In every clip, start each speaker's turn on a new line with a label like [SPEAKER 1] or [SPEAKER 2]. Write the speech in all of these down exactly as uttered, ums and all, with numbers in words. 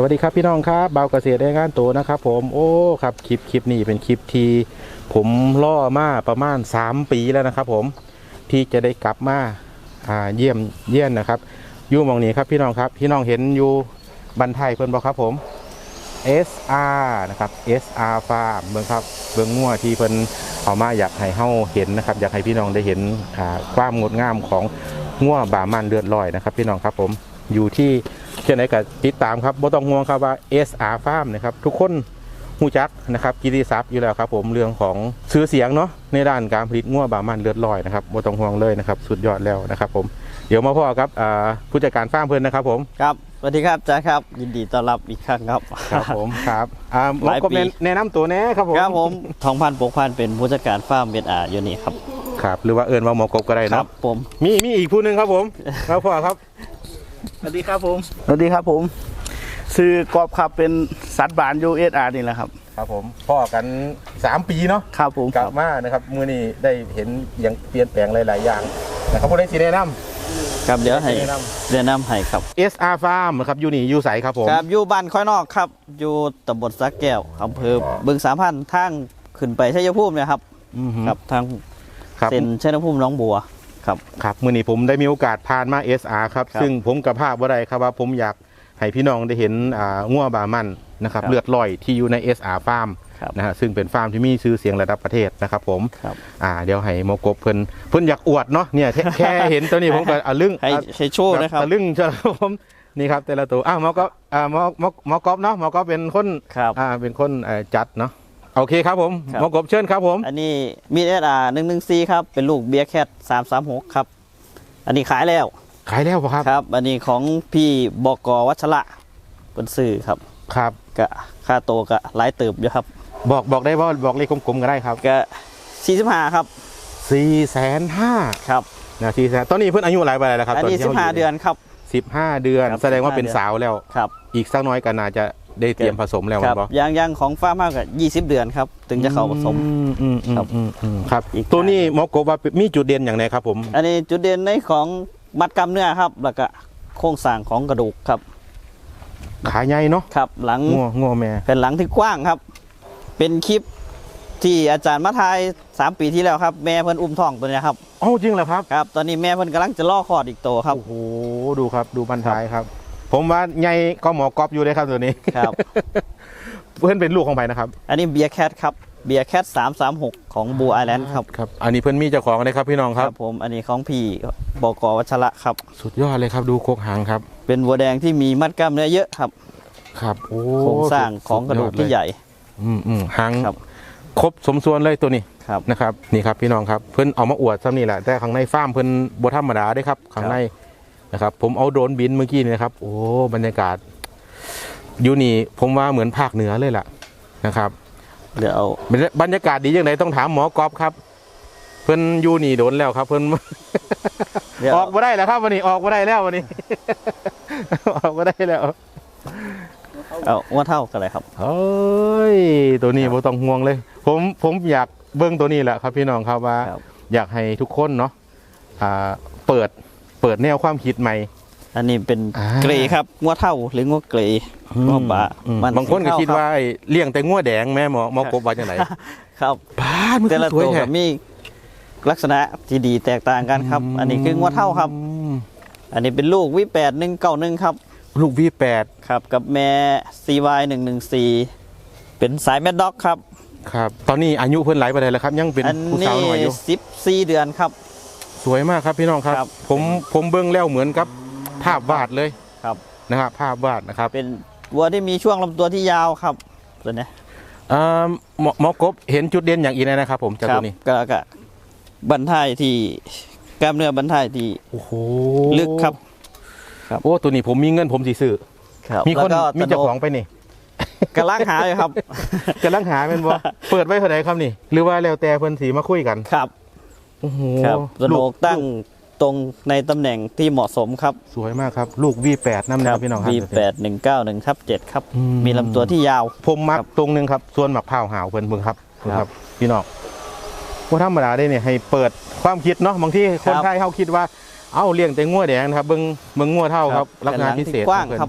[SPEAKER 1] วัสดีครับพี่น้องครับเบาเกษตรได้งานโตนะครับผมโอ้ครับคลิปคลิปนี้เป็นคลิปที่ผมล่อมาประมาณสามปีแล้วนะครับผมที่จะได้กลับมาอ่าเยี่ยมเยี่ยนนะครับอยู่มองนี้ครับพี่น้องครับพี่น้องเห็นอยู่บันไทยเพิ่นบอกครับผม เอส อาร์ นะครับ เอส อาร์ Farm เบิ่งครับเบิ่งงัวที่เพิ่นเอามาอยากให้เฮาเห็นนะครับอยากให้พี่น้องได้เห็นอ่าความงดงามของงัวบามันเลือดลอยนะครับพี่น้องครับผมอยู่ที่เช่นไหนก็ติดตามครับบ่ต้องห่วงครับว่า เอส อาร์ Farm นะครับทุกคนฮู้จักนะครับกิตติศัพท์อยู่แล้วครับผมเรื่องของชื่อเสียงเนาะในด้านการผลิตงัวบามันเลือดลอยนะครับบ่ต้องห่วงเลยนะครับสุดยอดแล้วนะครับผมเดี๋ยวมาพ่อครับผู้จัดการฟาร์มเพิ่นนะครับผม
[SPEAKER 2] ครับสวัสดีครับจ้าครับยินดีต้อนรับอีกครั้งครับ
[SPEAKER 1] ครับผมครับอ่าหมอก็แนะนำตัวแน่ครับผม
[SPEAKER 2] ครับผมทองพันปกพันเป็นผู้จัดการฟาร์มเวทอาอยู่นี่ครับ
[SPEAKER 1] ครับหรือว่าเอิญว่าหมอกบก็ได้นะครับ
[SPEAKER 2] ผม
[SPEAKER 1] มีมีอีกผู้หนึ่งครับผมครับพ่อครับ
[SPEAKER 3] สวัสดีครับผมสวัสดีครับผมซื้อกอบครับเป็นสัตว์บานยูเอสอาร์นี่แหละครับ
[SPEAKER 1] ครับผมพ่อกันสามปีเนาะ
[SPEAKER 3] ครับผม
[SPEAKER 1] กลับมานะครับมื้อนี้ได้เห็นอย่างเปลี่ยนแปลงหลายๆอย่างนะครับผู้ใดสิแนะนำ
[SPEAKER 2] ครับเดี๋ยวให้แนะนำให้ครับ
[SPEAKER 1] เอส อาร์ Farm นะครับอยู่นี่อยู่ไสครับผม
[SPEAKER 2] ครับอยู่บ้านค่อยนอกครับอยู่ตำบลสะแก้วอำเภอบึงสามพันทางขึ้นไปชัยภูมินะครับครับทางเส้นชัยภูมิน้องบัวครับ
[SPEAKER 1] ครับมื้อนี้ผมได้มีโอกาสผ่านมา เอส อาร์ ครับซึ่งผมกับภาพบ่ได้ครับว่าผมอยากให้พี่น้องได้เห็นอ่างัวบามันนะครับเลือดลอยที่อยู่ใน เอส อาร์ Farm นะฮะซึ่งเป็นฟาร์มที่มีชื่อเสียงระดับประเทศนะครับผมอ่าเดี๋ยวให้หมอกบเพิ่นเพิ่นอยากอวดเนาะเนี่ยแค่เห็นตัวนี้ผมก็อ่ะลึ่ง
[SPEAKER 2] ให้ให้โชว์นะครับ
[SPEAKER 1] อ่ะลึ่งใช่ครับผมนี่ครับแต่ละตัวอ้าวหมอกบอ่าหมอหมอหมอกบเนาะหมอกบเป็นคนอ่าเป็นคนเอ่อจัดเนาะโอเคครับผมหมอกบเชิญครับผม
[SPEAKER 2] อันนี้มี เอส อาร์ หนึ่งหนึ่งสี่ครับเป็นลูกเบียร์แคทสามสามหกครับอันนี้ขายแล้ว
[SPEAKER 1] ขายแล้วครับ
[SPEAKER 2] ครับอันนี้ของพี่บก.วัชระเป็นสื่อครับ
[SPEAKER 1] ครับ
[SPEAKER 2] กะค่าโตกะหลายเติบอยู่ครับ
[SPEAKER 1] บอกบอกได้ว่าบอกเลขกลมๆก็ได้ครับ
[SPEAKER 2] กะสี่สิบห้าครับ
[SPEAKER 1] สี่แสนห้า
[SPEAKER 2] ครับ
[SPEAKER 1] นะสี่แสนตอนนี้เพิ่นอายุหลายปีแล้วครับ
[SPEAKER 2] อันนี้สิบห้าเดือนครับ
[SPEAKER 1] สิบห้าเดือนแสดงว่าเป็นสาวแล้ว
[SPEAKER 2] ครับ
[SPEAKER 1] อีกสักน้อยก็น่าจะได้เตรียมผสมแล้ว
[SPEAKER 2] ครับยังยังของฟาร์มมากกว่ายี่สิบเดือนครับถึงจะเข้าผสม
[SPEAKER 1] ครับครับตัวนี้หมอกบว่ามีจุดเด่นอย่างไรครับผม
[SPEAKER 2] อันนี้จุดเด่นในของมัดกล้ามเนื้อครับแล้วก็โครงสร้างของกระดูกครับ
[SPEAKER 1] ขาใหญ่เนาะ
[SPEAKER 2] ครับหลัง
[SPEAKER 1] งัวงัวแม่
[SPEAKER 2] เป็นหลังที่กว้างครับเป็นคลิปที่อาจารย์มาทายสามปีที่แล้วครับแม่เพิ่นอุ้มท้องตัวนี้ครับ
[SPEAKER 1] อ๋อจริงเหรอครับ
[SPEAKER 2] ครับตอนนี้แม่เพิ่นกำลังจะล่อคลอดอีกตัวครับ
[SPEAKER 1] โอ้โหดูครับดูบันท้ายครับผมว่าใหญ่ก็หมอกอบอยู่เลยครับตัวนี้
[SPEAKER 2] ครับ
[SPEAKER 1] เพื่อนเป็นลูกของใครนะครับ
[SPEAKER 2] อันนี้เบียร์แคทครับเบียร์แคทสามสามหกของบูไอแลนด์ครับ
[SPEAKER 1] ครับอันนี้เพื่อนมีเจ้าของเลยครับพี่น้องครับ
[SPEAKER 2] ผมอันนี้ของพี่บก.วัชระครับ
[SPEAKER 1] สุดยอดเลยครับดูโคกหางครับ
[SPEAKER 2] เป็นวัวแดงที่มีมัดกล้ามเนื้อเยอะครับ
[SPEAKER 1] ครับโอ้
[SPEAKER 2] โครงสร้างของกระดูกที่ใหญ่
[SPEAKER 1] อืมอืมหางครบสมส่วนเลยตัวนี้นะครับนี่ครับพี่น้องครับเพื่อนเอามาอวดซ้ำนี่แหละแต่ข้างในฟาร์มเพื่อนบัวธรรมดาได้ครับข้างในนะครับผมเอาโดรนบินเมื่อกี้นี่นะครับโอ้บรรยากาศอยู่นี่ผมว่าเหมือนภาคเหนือเลยล่ะนะครับ
[SPEAKER 2] เดี๋ยว
[SPEAKER 1] บรรยากาศดีอย่างไรต้องถามหมอกอบครับเพื่อนอยู่นี่โดนแล้วครับเพื่อนออกมาได้แล้วครับวันนี้ออกมาได้แล้ววันนี้ออกมาได้แล้ว
[SPEAKER 2] เอาว่าเท่ากันเลยครับ
[SPEAKER 1] เฮ้ยตัวนี้บ่ต้องห่วงเลยผมผมอยากเบิ้งตัวนี้แหละครับพี่น้องครับว่าอยากให้ทุกคนเนาะเปิดเปิดแนวความคิดใหม่
[SPEAKER 2] อันนี้เป็นเกรครับงัวเท่าหรืองัวเกรงัวบะ
[SPEAKER 1] บางคนก็คิดว่าเลี้ยงแต่งัวแดงแม่หมอหมอกบว่าจังไหน
[SPEAKER 2] ครับ
[SPEAKER 1] บ้านมัน
[SPEAKER 2] แต่ละตัวมีลักษณะที่ดีแตกต่างกันครับอันนี้คืองัวเท่าครับอันนี้เป็นลูกวิแปดหนึ่งเก้าหนึ่งครับ
[SPEAKER 1] ลูก วี แปด
[SPEAKER 2] ครับกับแม่ ซี วาย หนึ่งหนึ่งสี่ เป็นสายแมดด็อกครับ
[SPEAKER 1] ครับตอนนี้อายุเพิ่นหลายปานใดแล้วครับยังเป็นผู้สาวน้อยอยู่
[SPEAKER 2] สิบสี่เดือนครับ
[SPEAKER 1] สวยมากครับพี่น้องครับผมผมเบิ่งแล้วเหมือนกับภาพวาดเลย
[SPEAKER 2] ครับ
[SPEAKER 1] นะครับภาพวาดนะครับ
[SPEAKER 2] เป็นวัวที่มีช่วงลำตัวที่ยาวครับตัวนี้
[SPEAKER 1] อ่าหมอหมอกบเห็นจุดเด่นอย่างอีกนะครับผมจากตัวนี้
[SPEAKER 2] ก็ก็บั้นท้ายที่กล้ามเนื้อบั้นท้ายที่
[SPEAKER 1] โอ้โห
[SPEAKER 2] ลึกครับ
[SPEAKER 1] โอ้ตัวนี้ผมมีเงินผมสิซื้อมีคนมีเจ้าของไปนี่
[SPEAKER 2] กำลังหาเลยครับ
[SPEAKER 1] กำลังหาเป็นว่าเปิดไว้เท่าไหร่ครับนี่หรือว่าแล้วแต่เพิ่นสีมาคุยกัน
[SPEAKER 2] ครับ
[SPEAKER 1] โอ้โห
[SPEAKER 2] สโนกตั้งตรงในตำแหน่งที่เหมาะสมครับ
[SPEAKER 1] สวยมากครับลูก วี แปด นั่นนะครับพี่น้องครับ
[SPEAKER 2] วี แปด หนึ่งเก้าหนึ่งทับเจ็ดครับมีลำตัวที่ยาว
[SPEAKER 1] ผมมักตรงนึงครับส่วนหมักผ้าหาวเพิ่นเบิ่งครับครับพี่น้องว่าธรรมดาได้เนี่ยให้เปิดความคิดเนาะบางที่คนไทยเขาคิดว่าเอ้าเลี้ยงแต่งัวแดงนะครับเบิ้งเบิ้งงัวเท่าครับลักษณะพิเศษ
[SPEAKER 2] กว้างครับ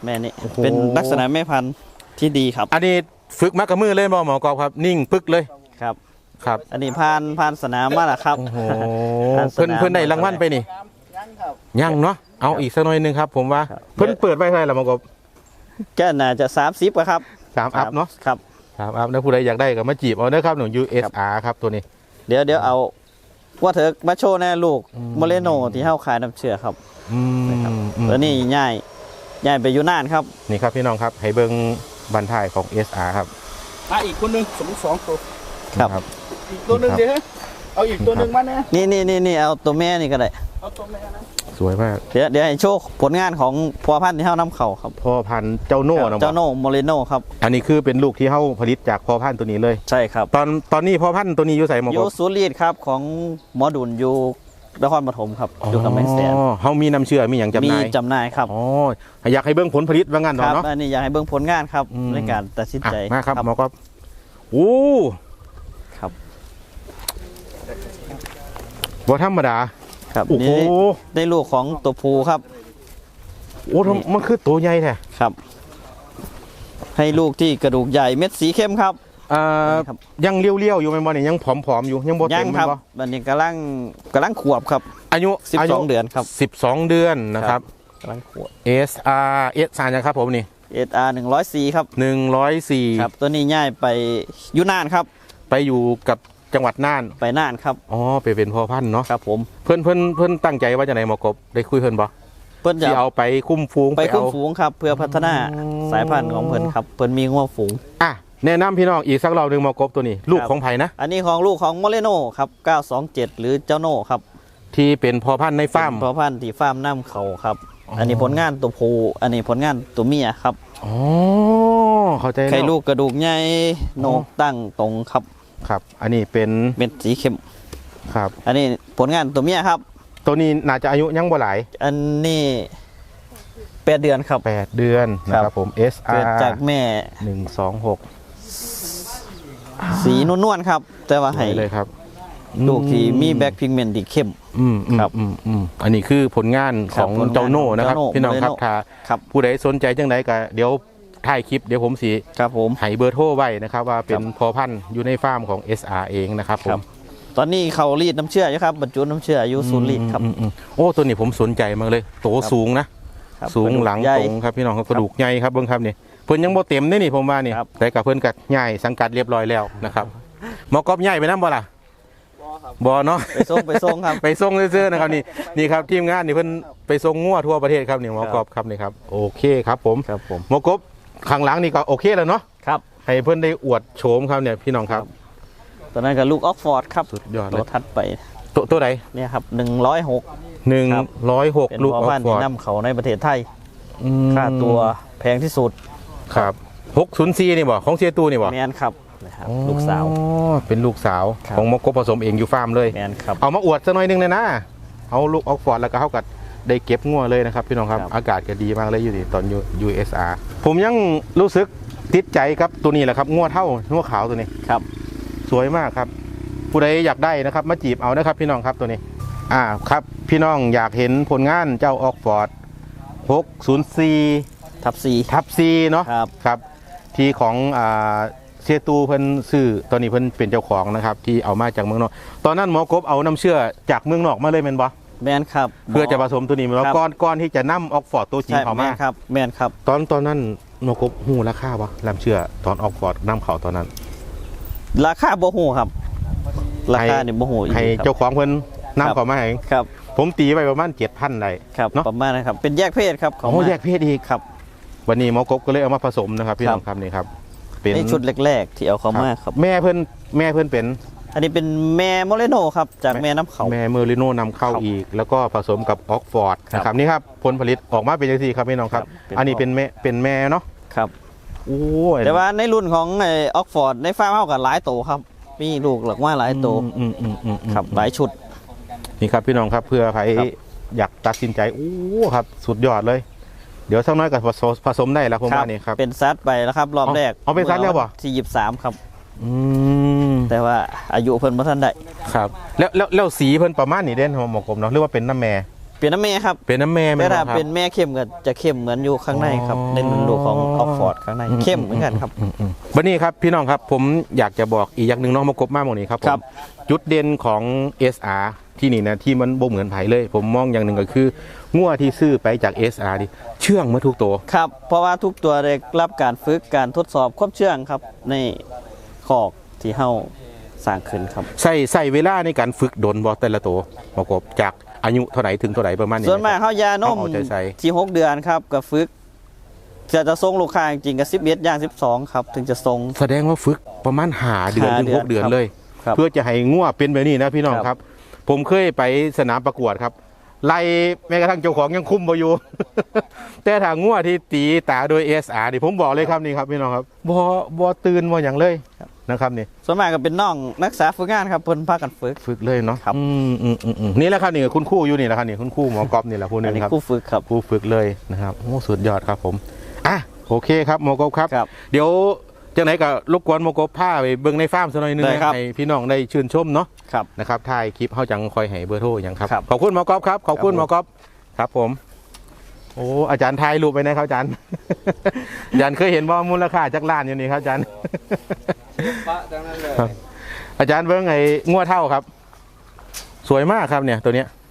[SPEAKER 2] แม่นี่
[SPEAKER 1] โอ้โห
[SPEAKER 2] เป็นลักษณะแม่พันธุ์ที่ดีครับ
[SPEAKER 1] อันนี้ฝึกมากับมือเลยบ่หมอกอบครับนิ่งปึกเลย
[SPEAKER 2] ครับ
[SPEAKER 1] ครับ
[SPEAKER 2] อันนี้ผ่านผ่านสนามมาแล้วครับ
[SPEAKER 1] โอ้โห
[SPEAKER 2] ผ่านส
[SPEAKER 1] เพิ่น
[SPEAKER 2] นาม
[SPEAKER 1] เพิ่นได้รางวัลไปนี่
[SPEAKER 3] ยังครับ
[SPEAKER 1] ยังเนาะเอาอีกสักหน่อยหนึงครับ ผมว่า
[SPEAKER 2] ครับ
[SPEAKER 1] เพิ่นเปิดไว้เท่าไหร่ละหมอกอบ
[SPEAKER 2] ก็น่าจะสามสิบอะครับ
[SPEAKER 1] สามอัพเนาะ
[SPEAKER 2] ครับ
[SPEAKER 1] สามอัพแล้วผู้ใดอยากได้ก็มาจีบเอาเด้อครับหนู ยู เอส อาร์ ครับตัวนี้
[SPEAKER 2] เดี๋ยวเดี๋ยวเอาว่าเถอะมาโชว์แน่ลูก
[SPEAKER 1] อืม
[SPEAKER 2] โมเลโนที่เฮาขายน้ำเชื่อครับ
[SPEAKER 1] อืมอืม
[SPEAKER 2] ตัวนี้ง่ายง่ายไปอยู่นานครับ
[SPEAKER 1] นี่ครับพี่น้องครับให้เบิ่งบันทายของ เอส อาร์ ครับ
[SPEAKER 3] มาอีกคนหนึงสมมติสองตัว
[SPEAKER 2] ครับ
[SPEAKER 3] อีกตัวหนึงเดี๋ยวเอาอีกตัวหนึงมาเนี่ย
[SPEAKER 2] นี่นี่นี่นี่เอาตัวแม่นี่ก็ได้
[SPEAKER 3] เอาตัวแม่นะ
[SPEAKER 1] สวยมาก
[SPEAKER 2] เดี๋ยวเดี๋ยวให้โชว์ผลงานของพัวพันธุ์ที่เฮานำเข้าครับ
[SPEAKER 1] พ่อพันธุ์เจ้าโน่นะ
[SPEAKER 2] เจ้า
[SPEAKER 1] บ่
[SPEAKER 2] โนโมเลโนครับ
[SPEAKER 1] อันนี้คือเป็นลูกที่เฮาผลิตจากพ่อพันธุ์ตัวนี้เลย
[SPEAKER 2] ใช่ครับ
[SPEAKER 1] ตอนตอนนี้พ่อพันธุ์ตัวนี้อยู่ใส่หมอ
[SPEAKER 2] อก ยู่
[SPEAKER 1] บ
[SPEAKER 2] ศูนย์รีดครับของหมอดุลอยู่นครปฐมครับอยู่กับแม่แสน
[SPEAKER 1] อ๋อเฮามีน้ำเชื่อมีอย่างจำห
[SPEAKER 2] มี
[SPEAKER 1] น่าย
[SPEAKER 2] จำหน่ายครับ
[SPEAKER 1] อ๋ออยากให้เบิ่งผลผลิตว่างั้น
[SPEAKER 2] ครับ
[SPEAKER 1] เนาะ
[SPEAKER 2] อันนี้อยากให้เบิ่งผลงานครับ
[SPEAKER 1] อืม
[SPEAKER 2] ในการตัดสิน
[SPEAKER 1] อ่ะ
[SPEAKER 2] ใจ
[SPEAKER 1] มาครับหมอกอบโอ้
[SPEAKER 2] ครับ
[SPEAKER 1] บ่ธรรมดา
[SPEAKER 2] ครับ
[SPEAKER 1] โอ้โห
[SPEAKER 2] นี่ได้ลูกของตัวภูครับ
[SPEAKER 1] โอ้ทำมันคือตัวใหญ่แท้
[SPEAKER 2] ครับ ให้ลูกที่กระดูกใหญ่เม็ดสีเข้มครับ
[SPEAKER 1] อ่า
[SPEAKER 2] ครับ
[SPEAKER 1] ยังเลี้ยวๆอยู่แม่นบ่นี่ยังผอมๆอยู่ยังบ่
[SPEAKER 2] ยั
[SPEAKER 1] เต็
[SPEAKER 2] ง
[SPEAKER 1] ม
[SPEAKER 2] ค
[SPEAKER 1] แม่
[SPEAKER 2] รับ
[SPEAKER 1] นบ่
[SPEAKER 2] อันนี้กำลังกำลังขวบครับ
[SPEAKER 1] อายุ
[SPEAKER 2] สิบสอง
[SPEAKER 1] ายุ
[SPEAKER 2] เดือนครับ
[SPEAKER 1] สิบสองเดือนนะครับ
[SPEAKER 2] กำลังขวบ
[SPEAKER 1] เอส อาร์ เอส อาร์ นะครับผมนี่
[SPEAKER 2] เอสอาร์หนึ่งร้อยสี่ครับ
[SPEAKER 1] หนึ่งร้อยสี่
[SPEAKER 2] ครับ ตัวนี้ง่ายไปอยุนานครับ
[SPEAKER 1] ไปอยู่กับจังหวัดน่าน
[SPEAKER 2] ไปน่านครับ
[SPEAKER 1] อ๋อไปเป็นพ่อพันธุ์เนาะ
[SPEAKER 2] ครับผม
[SPEAKER 1] เพิ่นเพิ่นเพิ่นตั้งใจว่าจะไหนหมอกบได้คุยเพิ่นบ่
[SPEAKER 2] เพิ่นจะ
[SPEAKER 1] ที่เอาไปคุ้มฟูง
[SPEAKER 2] ไปคุ้ม
[SPEAKER 1] เอา
[SPEAKER 2] ฝูงครับ เพื่อพัฒนา
[SPEAKER 1] อ๋อ
[SPEAKER 2] สายพันธุ์ของเพิ่นครับ เพิ่นมีงัวฝูง
[SPEAKER 1] อ่ะแนะนำพี่น้องอีกสักรอบหนึงหมอกบตัวนี้ ลูก
[SPEAKER 2] ครับ
[SPEAKER 1] ของไผนะ
[SPEAKER 2] อันนี้ของลูกของโมเลโนครับเก้าสองเจ็ดหรือเจ้าโน่ครับ
[SPEAKER 1] ที่เป็นพ่อพันธุ์ในฟาร์ม
[SPEAKER 2] เป็นพ่อพันธุ์ที่ฟาร์มน้ำเขาครับ
[SPEAKER 1] อ๋ออั
[SPEAKER 2] อันนี้ผลงานตัวผู้อันนี้ผลงานตัวเมียครับ
[SPEAKER 1] อ๋อเข้าใจแล้ว
[SPEAKER 2] ไข่ลูกกระดูกใหญ่โหนกตั้งตรงครับ
[SPEAKER 1] ครับ อันนี้เป็น
[SPEAKER 2] เม็ดสีเข้ม
[SPEAKER 1] ครับ
[SPEAKER 2] อันนี้ผลงานตัวเมียครับ
[SPEAKER 1] ตัวนี้น่าจะอายุยังบ่หลาย
[SPEAKER 2] อันนี้แปดเดือนครับ
[SPEAKER 1] แปดเดือนนะค
[SPEAKER 2] ครั
[SPEAKER 1] รับบ ผม เอส อา
[SPEAKER 2] เกิด
[SPEAKER 1] ร์
[SPEAKER 2] จากแม่
[SPEAKER 1] หนึ่งสองหก
[SPEAKER 2] สีนวลๆครับ แต่ว่าให้
[SPEAKER 1] เลยครับ
[SPEAKER 2] ลูกที่มีแบ็คพิกเมนต์ที่เข้ม
[SPEAKER 1] อืมอืม
[SPEAKER 2] ครับ
[SPEAKER 1] อืมอืมอันนี้คือผลงานของ
[SPEAKER 2] ครับผลงาน
[SPEAKER 1] เจ้าโน่นะครับ
[SPEAKER 2] เจ้าโน่
[SPEAKER 1] พี่น้องครับ
[SPEAKER 2] โมเดโน่
[SPEAKER 1] ถ้า
[SPEAKER 2] ครับ
[SPEAKER 1] ผู้ใดสนใจจังไดก็เดี๋ยวถ่ายคลิปเดี๋ยวผมสี
[SPEAKER 2] ครับผม
[SPEAKER 1] ให้เบอร์โทรไว้นะครับ ว่าเป็น
[SPEAKER 2] ครับ
[SPEAKER 1] พอพันธุ์อยู่ในฟาร์มของ เอส อาร์ เองนะครับผ
[SPEAKER 2] ครั
[SPEAKER 1] ม
[SPEAKER 2] บ ตอนนี้เขารีดน้ำเชื่ออยู่ครับบรรจุน้ำเชื่ออยู่ศูนย์รีดครับ
[SPEAKER 1] อืมอืมอืมโอ้ตัวนี้ผมสนใจมากเลยโต
[SPEAKER 2] ครับ
[SPEAKER 1] สูงนะ
[SPEAKER 2] ครับ
[SPEAKER 1] สูง
[SPEAKER 2] กระดูก
[SPEAKER 1] หลัง
[SPEAKER 2] ใญ่
[SPEAKER 1] ตรงครับพี่น้องครับกระดูกใหญ่ครับเบิ่งครับนี่เพิ่นยังบ่เต็มนี่นี่ผมว่านี่
[SPEAKER 2] ครับ
[SPEAKER 1] แต่กับเพิ่นกัดใหญ่สังกัดเรียบร้อยแล้วนะครับหมอกอบใหญ่ไปนํบ่ล่ะบ่เนาะ
[SPEAKER 2] ไปส่งไปส่งครับ
[SPEAKER 1] ไปส่งซื่อๆนะครับนี่นี่ครับทีมงานนี่เพิ่นไปส่งงัวทั่วประเทศครับนี่หมอกอบครับนี่ครับโอเคครับผม
[SPEAKER 2] ครับผม
[SPEAKER 1] หมอกบข้างหลังนี่ก็โอเคแล้วเนาะ
[SPEAKER 2] ครับ
[SPEAKER 1] ให้เพิ่นได้อวดโฉมครับเนี่ยพี่น้องครับ
[SPEAKER 2] ตอนนั้นกับลูกออกฟอร์ดครับ
[SPEAKER 1] สุดยอดเล
[SPEAKER 2] ตัวย ทัดไป
[SPEAKER 1] ตัวตัวใด
[SPEAKER 2] เนี่ยครับหนึ่งร้อยหก
[SPEAKER 1] หนึ่ง
[SPEAKER 2] ครับ
[SPEAKER 1] ร้อยหก
[SPEAKER 2] เป็น
[SPEAKER 1] ลูก
[SPEAKER 2] พ่อ
[SPEAKER 1] ออ
[SPEAKER 2] พั
[SPEAKER 1] ก
[SPEAKER 2] นธุ์
[SPEAKER 1] ฟอ
[SPEAKER 2] ที่
[SPEAKER 1] ร์ด
[SPEAKER 2] นำเขาในประเทศไทย
[SPEAKER 1] อืม
[SPEAKER 2] ค่าตัวแพงที่สุด
[SPEAKER 1] ครับหกศูนย์สี่นี่บ่ของเสียตูนี่บ่
[SPEAKER 2] แมนครับนะครับ
[SPEAKER 1] อ๋อ
[SPEAKER 2] ลูกสาว
[SPEAKER 1] เป็นลูกสาว
[SPEAKER 2] ครับ
[SPEAKER 1] ของหมอกบผสมเองอยู่ฟาร์มเลย
[SPEAKER 2] แมนครับ
[SPEAKER 1] เอามาอวดสักหน่อยหนึงเลยนะเอาลูกออกฟอร์ดแล้วก็เฮากัดได้เก็บงัวเลยนะครับพี่น้องครับ
[SPEAKER 2] ครับ
[SPEAKER 1] อากาศก็ดีมากเลยอยู่นี่ตอนอยู่ ยู เอส อาร์ ผมยังรู้สึกติดใจครับตัวนี้แหละครับงัวเท่างัวขาวตัวนี้
[SPEAKER 2] ครับ
[SPEAKER 1] สวยมากครับ ผู้ใดอยากได้นะครับมาจีบเอานะครับพี่น้องครับตัวนี้ อ่าครับพี่น้องอยากเห็นผลงานเจ้าออกฟอร์ดหกศูนย์สี่
[SPEAKER 2] ทับซี
[SPEAKER 1] ทับซีเนาะ
[SPEAKER 2] ครับ
[SPEAKER 1] ครับที่ของอ่าเสียตูเพิ่นซื้อตอนนี้เพิ่นเป็นเจ้าของนะครับที่เอามาจากเมืองนอกตอนนั้นหมอกบเอาน้ำเชื่อจากเมืองนอกมาเลยแม่นบ่
[SPEAKER 2] แมนครับ
[SPEAKER 1] เพื่อจะผสมตัวนี้แล้ว
[SPEAKER 2] ครับ
[SPEAKER 1] ก้อนก้อนที่จะนำออกฟอร์ดตัวจริง
[SPEAKER 2] ใช่
[SPEAKER 1] เอา
[SPEAKER 2] แม
[SPEAKER 1] มาน
[SPEAKER 2] ครับแมนครับ
[SPEAKER 1] ตอนตอนนั้นหมอกบหูราคาบ่น้ำเชื่อตอนออกฟอร์ดน้ำเขาตอนนั้น
[SPEAKER 2] ราคาบ่หูครับ ราคาเนี่ยบ่หูอีก
[SPEAKER 1] ให้
[SPEAKER 2] ครับ
[SPEAKER 1] เจ้าของเพิ่น
[SPEAKER 2] ครับ
[SPEAKER 1] นำเขามาให้
[SPEAKER 2] ครับ
[SPEAKER 1] ผมตีไปประมาณเจ็ดพันได้
[SPEAKER 2] ครับ
[SPEAKER 1] เนาะ
[SPEAKER 2] ประมาณนะครับเป็นแยกเพศครับของ
[SPEAKER 1] โอ้แยกเพศอีก
[SPEAKER 2] ครับ
[SPEAKER 1] วันนี้หมอกบก็เลยเอามาผสมนะครับพี่
[SPEAKER 2] ครั
[SPEAKER 1] น้
[SPEAKER 2] บ
[SPEAKER 1] องครับนี่ครับเป็น
[SPEAKER 2] ในชุดแรกๆที่เอาเข้ามาครับ
[SPEAKER 1] แม่เพิ่นแม่เพิ่นเป็น
[SPEAKER 2] อันนี้เป็นแม่โมเลโนครับจากแม่น้ำเขา
[SPEAKER 1] แม่เมอริโนนำเข้า
[SPEAKER 2] ครับ
[SPEAKER 1] อีก แล้วก็ผสมกับออกฟอร์ด
[SPEAKER 2] ครับ
[SPEAKER 1] นะครับนี่ครับผลผลิตออกมาเป็นยังไงครับพี่น้องครับ
[SPEAKER 2] ครับเป็น
[SPEAKER 1] อันนี้เป็นแม่เป็นแม่เนาะ
[SPEAKER 2] ครับ
[SPEAKER 1] โอ้ย
[SPEAKER 2] แต่ว่าในรุ่นของไอออกฟอร์ดในฟาร์มเฮากับหลายโตครับมีลูกหลักว่าหลายโต
[SPEAKER 1] อืมอืมอืมอืม
[SPEAKER 2] ครับหลายชุด
[SPEAKER 1] นี่ครับพี่น้องครับเพื่อใคร
[SPEAKER 2] ครับ
[SPEAKER 1] อยากตัดสินใจโอ้ครับสุดยอดเลย เดี๋ยวสักหน้อยกับผสมผสมได้แล้วผมว่านี่ครับ
[SPEAKER 2] เป็นซัดไปแล้วครับรอบ
[SPEAKER 1] เอา
[SPEAKER 2] แรก
[SPEAKER 1] เอาเป็นซัดแล้วบ่
[SPEAKER 2] ที่ยี่สิบสามครับ
[SPEAKER 1] อืม
[SPEAKER 2] แต่ว่าอายุเพิ่นบ่ทันได้
[SPEAKER 1] ครับแล้วแล้วแล้วสีเพิ่นประมาณนี้เด่นของหมอกลมเนาะหรือว่าเป็นน้ำแม่
[SPEAKER 2] เเป็นน้ำแม่ครับ
[SPEAKER 1] เป็นน้ำแม่ไหม
[SPEAKER 2] แต่
[SPEAKER 1] ค
[SPEAKER 2] ถ้า
[SPEAKER 1] รับ
[SPEAKER 2] เป็นแม่เข้มก็จะเข้มเหมือนอยู่ข้างในครับ
[SPEAKER 1] อ๋อ
[SPEAKER 2] ในรุ่นลูกของออกฟอร์ดข้างในเข้มเหมือนกันครับ
[SPEAKER 1] บันนี้ครับพี่น้องครับผมอยากจะบอกอีกอย่างหนึ่งเน้องมากบมากหมดนี้ครับผม
[SPEAKER 2] ครับ
[SPEAKER 1] จุดเด่นของ เอส อาร์ ที่นี่นะที่มันบ่เหมือนไผเลย ผมมองอย่างหนึ่งก็คืองัวที่ซื้อไปจาก เอส อาร์ นี่เชื่องมาทุกตัว
[SPEAKER 2] ครับ เพราะว่าทุกตัวได้รับการฝึกการทดสอบความเชื่องครับ ในขอกที่เฮาสร้างขึ้นครับ
[SPEAKER 1] ใส่ใส่เวลาในการฝึกดนบอแต่ละตัวมากบจากอายุเท่าไหร่ถึงเท่าไหร่ประมาณนี้
[SPEAKER 2] ส่วนมาก
[SPEAKER 1] นะครับ
[SPEAKER 2] เฮายานม
[SPEAKER 1] เอาใจใส่
[SPEAKER 2] ที่หกเดือนครับก็ฝึกจะจะส่งลูกค้าจริงๆก็สิบเอ็ดอย่างสิบสองครับถึงจะส่ง
[SPEAKER 1] แสดงว่าฝึกประมาณหาเดือน
[SPEAKER 2] ห้า
[SPEAKER 1] ถึงหก
[SPEAKER 2] เดื
[SPEAKER 1] เดื
[SPEAKER 2] อ
[SPEAKER 1] อน น
[SPEAKER 2] ครับ
[SPEAKER 1] เลย
[SPEAKER 2] ครับ
[SPEAKER 1] เพื่อจะให้งัวเป็นแบบนี้นะพี่น้อง
[SPEAKER 2] ครับ
[SPEAKER 1] ครับ ผมเคยไปสนามประกวดครับ ไล่แม้กระทั่งเจ้าของยังคุมบ่อยู่ แต่ถ้างัวที่ตีตาโดย เอส อาร์ นี่ผมบอกเลยครับนี่ครับพี่น้องครับบ่บ่ตื่นบ่อย่างเลยนะครับนี่
[SPEAKER 2] ส่วนมากก็เป็นน้องนักศึกษาฝึกงานครับเพิ่นพากันฝึก
[SPEAKER 1] ฝึกเลยเนาะ
[SPEAKER 2] ครับ
[SPEAKER 1] อืมอืมอืมอืมนี่แหละครับนี่คุณครูอยู่นี่แหละครับนี่คุณครูหมอกอบนี่แหละผู้หนึ
[SPEAKER 2] อัน
[SPEAKER 1] ง
[SPEAKER 2] นี้
[SPEAKER 1] ครับ
[SPEAKER 2] ครู่ฝึกครับ
[SPEAKER 1] ครูฝึกเลยนะครับโอ้สุดยอดครับผมอ่ะโอเคครับหมอกบครับ
[SPEAKER 2] ครับ
[SPEAKER 1] เดี๋ยวจังไหนก็รบกวนหมอกบพาไปเบิ่งในฟาร์มสักหน่อยหนึง
[SPEAKER 2] ได้ครับ
[SPEAKER 1] ให้พี่น้องได้ชื่นชมเนาะ
[SPEAKER 2] ครับ
[SPEAKER 1] นะครับถ่ายคลิปเขาจังคอยให้เบอร์โทรอย่างครับ
[SPEAKER 2] ครับ
[SPEAKER 1] ขอบคุณหมอกอบครับขอบคุณ
[SPEAKER 2] ครับ
[SPEAKER 1] หมอกอบครับผมโอ้อาจารย์ถ่ายรูปไปนะครับอาจารย์ อาจารย์เคยเห็นว่ามูลค่าจักรล้านอยู่นี่ครับอาจารย์
[SPEAKER 4] ปะจังนั้นเลย
[SPEAKER 1] ครับอาจารย์เบิ้งไอ้งัวเท่าครับ สวยมากครับเนี่ยตัวเนี้ย